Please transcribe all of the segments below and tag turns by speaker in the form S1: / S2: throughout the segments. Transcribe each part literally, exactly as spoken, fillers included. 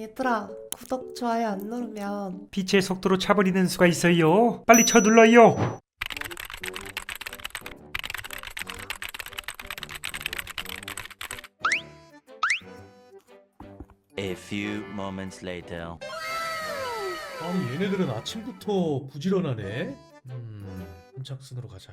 S1: 얘들아, 구독, 좋아요 안 누르면
S2: 빛의 속도로 차버리는 수가 있어요. 빨리 쳐 눌러요.
S3: A few moments later.
S4: 아니 얘네들은 아침부터 부지런하네. 음, 선착순으로 가자.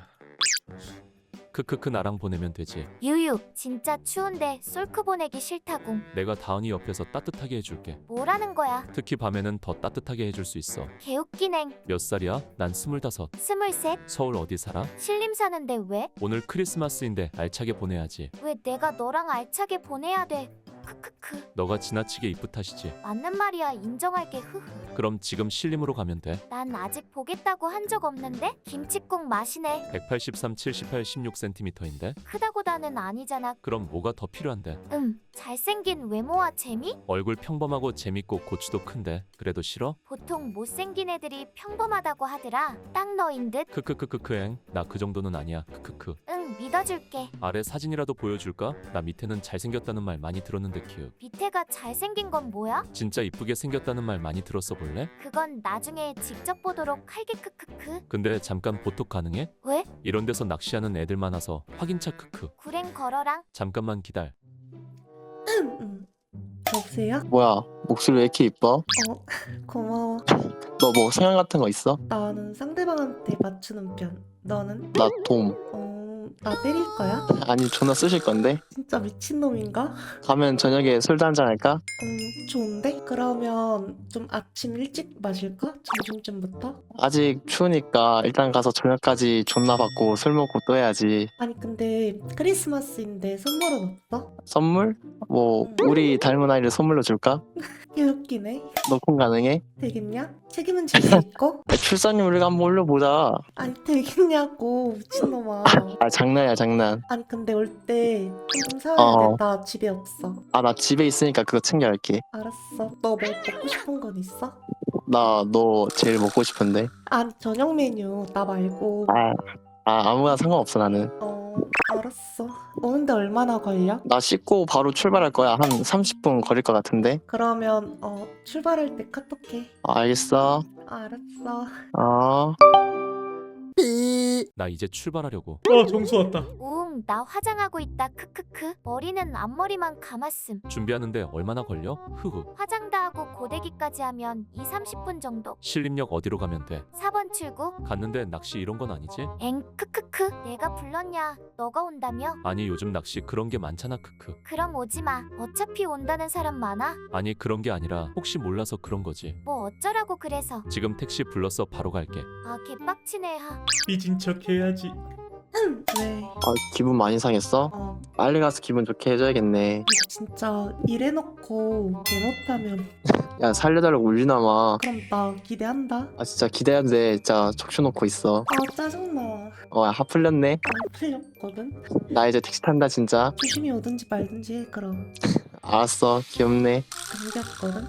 S5: 크크크 나랑 보내면 되지.
S6: 유유, 진짜 추운데 솔크 보내기 싫다고.
S5: 내가 다은이 옆에서 따뜻하게 해줄게.
S6: 뭐라는 거야?
S5: 특히 밤에는 더 따뜻하게 해줄 수 있어.
S6: 개웃기냉.
S5: 몇 살이야? 난 스물다섯.
S6: 스물셋.
S5: 서울 어디 살아?
S6: 신림 사는데 왜?
S5: 오늘 크리스마스인데 알차게 보내야지.
S6: 왜 내가 너랑 알차게 보내야 돼? 크크크.
S5: 너가 지나치게 이쁘 탓이지.
S6: 맞는 말이야, 인정할게. 흐흐.
S5: 그럼 지금 신림으로 가면 돼.
S6: 난 아직 보겠다고 한 적 없는데? 김치국 맛이네.
S5: 백팔십삼, 칠십팔, 십육 센티미터인데?
S6: 크다고다는 아니잖아.
S5: 그럼 뭐가 더 필요한데?
S6: 음, 잘생긴 외모와 재미?
S5: 얼굴 평범하고 재밌고 고추도 큰데 그래도 싫어?
S6: 보통 못생긴 애들이 평범하다고 하더라. 딱 너인 듯.
S5: 크크크크크행 나 그 정도는 아니야. 크크크.
S6: 응, 믿어줄게.
S5: 아래 사진이라도 보여줄까? 나 밑에는 잘생겼다는 말 많이 들었는데 키읔.
S6: 밑에가 잘생긴 건 뭐야?
S5: 진짜 이쁘게 생겼다는 말 많이 들었어 볼래?
S6: 그건 나중에 직접 보도록 할게. 크크크.
S5: 근데 잠깐 보톡 가능해?
S6: 왜?
S5: 이런 데서 낚시하는 애들 많아서 확인차 크크.
S6: 구랭 걸어랑.
S5: 잠깐만 기다려.
S1: 음. 여보세요?
S7: 뭐야, 목소리 왜 이렇게 이뻐?
S1: 어, 고마워.
S7: 너 뭐 성향 같은 거 있어?
S1: 나는 상대방한테 맞추는 편. 너는?
S7: 나 돔.
S1: 어, 나 때릴 거야?
S7: 아니, 존나 쑤실 건데?
S1: 진짜 미친놈인가?
S7: 가면 저녁에 술도 한잔 할까?
S1: 음, 좋은데? 그러면 좀 아침 일찍 마실까? 점심쯤부터?
S7: 아직 추우니까 일단 가서 저녁까지 존나 받고 술 먹고 또 해야지.
S1: 아니 근데 크리스마스인데 선물은 없어?
S7: 선물? 뭐, 우리 닮은 아이를 선물로 줄까?
S1: 개웃기네.
S7: 너 콩 가능해?
S1: 되겠냐? 책임은 질 수 있고?
S7: 야, 출산율 한번 올려보자.
S1: 아니 되겠냐고, 미친놈아.
S7: 아, 장난이야, 장난.
S1: 아니 근데 올 때 좀 사와야
S7: 어.
S1: 돼. 나 집에 없어.
S7: 아, 나 집에 있으니까 그거 챙겨갈게.
S1: 알았어. 너 뭐 먹고 싶은 건 있어?
S7: 나 너 제일 먹고 싶은데.
S1: 아니 저녁 메뉴 나 말고.
S7: 아, 아 아무나 상관없어, 나는.
S1: 어, 알았어. 오는데 얼마나 걸려?
S7: 나 씻고 바로 출발할 거야. 한 삼십 분 걸릴 것 같은데.
S1: 그러면 어 출발할 때 카톡해.
S7: 아, 알겠어.
S1: 알았어.
S7: 어.
S5: 나 이제 출발하려고.
S4: 어 정수 왔다.
S6: 우웅, 나 화장하고 있다. 크크크. 머리는 앞머리만 감았음.
S5: 준비하는데 얼마나 걸려? 흐흐.
S6: 화장 다 하고 고데기까지 하면 이, 삼십 분 정도.
S5: 신림역 어디로 가면 돼?
S6: 사 번 출구.
S5: 갔는데 낚시 이런 건 아니지?
S6: 엥, 크크크. 내가 불렀냐? 너가 온다며?
S5: 아니 요즘 낚시 그런 게 많잖아 크크.
S6: 그럼 오지마. 어차피 온다는 사람 많아.
S5: 아니 그런 게 아니라 혹시 몰라서 그런 거지.
S6: 뭐 어쩌라고 그래서.
S5: 지금 택시 불렀어 바로 갈게.
S6: 아, 개빡치네. 하.
S4: 삐진 척 해야지.
S1: 왜?
S7: 아, 기분 많이 상했어?
S1: 어
S7: 빨리 가서 기분 좋게 해줘야겠네.
S1: 진짜 이래놓고 개 못하면
S7: 야, 살려달라고 울리나 마.
S1: 그럼 나 기대한다.
S7: 아, 진짜 기대해도 돼. 진짜 척추 놓고 있어.
S1: 아 짜증나.
S7: 어, 하 풀렸네.
S1: 안 풀렸거든.
S7: 나 이제 택시 탄다, 진짜.
S1: 조심히 오든지 말든지 해 그럼.
S7: 알았어, 귀엽네.
S1: 감겼거든.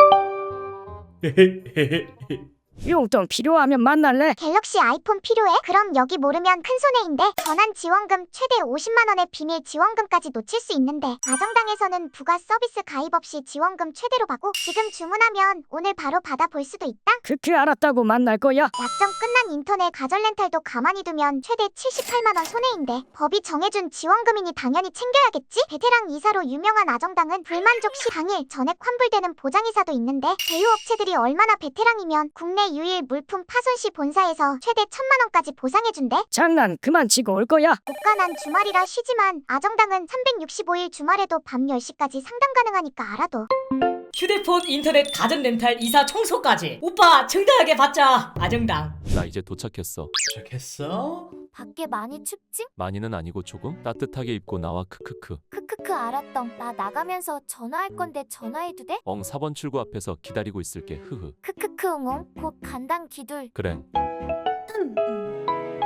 S8: 용돈 필요하면 만날래?
S9: 갤럭시 아이폰 필요해? 그럼 여기 모르면 큰손해인데. 전환 지원금 최대 오십만 원의 비밀 지원금까지 놓칠 수 있는데 아정당에서는 부가 서비스 가입 없이 지원금 최대로 받고 지금 주문하면 오늘 바로 받아볼 수도 있다.
S8: 그렇게 알았다고 만날 거야?
S9: 약정 끝난 인터넷 가전 렌탈도 가만히 두면 최대 칠십팔만 원 손해인데 법이 정해준 지원금이니 당연히 챙겨야겠지? 베테랑 이사로 유명한 아정당은 불만족 시 당일 전액 환불되는 보장이사도 있는데 제휴업체들이 얼마나 베테랑이면 국내 유일 물품 파손 시 본사에서 최대 천만 원까지 보상해준대.
S8: 장난 그만 치고 올 거야?
S9: 고가난 주말이라 쉬지만 아정당은 삼백육십오 일 주말에도 밤 열 시까지 상담 가능하니까 알아둬.
S10: 휴대폰, 인터넷, 가전 렌탈, 이사, 청소까지 오빠 정당하게 받자. 아정당.
S5: 나 이제 도착했어.
S4: 도착했어?
S6: 밖에 많이 춥지?
S5: 많이는 아니고 조금 따뜻하게 입고 나와 크크크.
S6: 크크크. 알았던. 나 나가면서 전화할 건데 전화해도 돼?
S5: 엉 사 번 출구 앞에서 기다리고 있을게. 흐흐.
S6: 크크크. 웅웅. 곧 간당 기둘.
S5: 그래.
S1: 음, 음.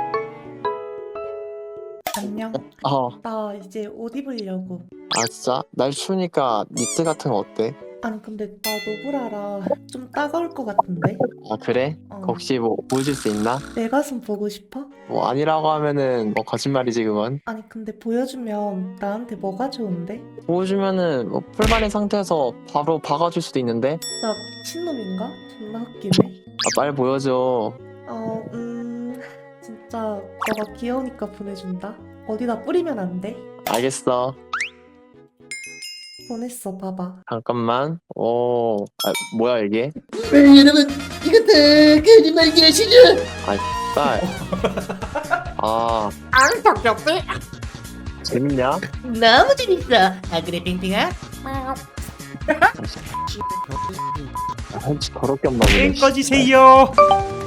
S1: 안녕.
S7: 어,
S1: 나 이제 옷 입으려고.
S7: 아, 진짜? 날 추우니까 니트 같은 거 어때?
S1: 아니 근데 나 노브라라 좀 따가울 것 같은데?
S7: 아 그래?
S1: 어.
S7: 혹시 뭐 보여줄 수 있나?
S1: 내 가슴 보고 싶어?
S7: 뭐 아니라고 하면은 뭐 거짓말이지 그건.
S1: 아니 근데 보여주면 나한테 뭐가 좋은데?
S7: 보여주면은 뭐 풀만인 상태에서 바로 박아줄 수도 있는데.
S1: 나 미친놈인가? 존나 웃기네.
S7: 아, 빨리 보여줘.
S1: 어, 음... 진짜 너가 귀여우니까 보내준다. 어디다 뿌리면 안 돼?
S7: 알겠어.
S1: 보냈어, 봐봐.
S7: 잠깐만. 오, 아, 뭐야 이게?
S11: 여러분 이것도 거짓말이지 아시죠?
S7: 딸. 아,
S11: 앙 덕덕해.
S7: 재밌냐?
S11: 너무 재밌어. 아 그래 빙빙아?
S7: 아, 햄치 더럽게 없나 보네.
S2: 땡 꺼지세요.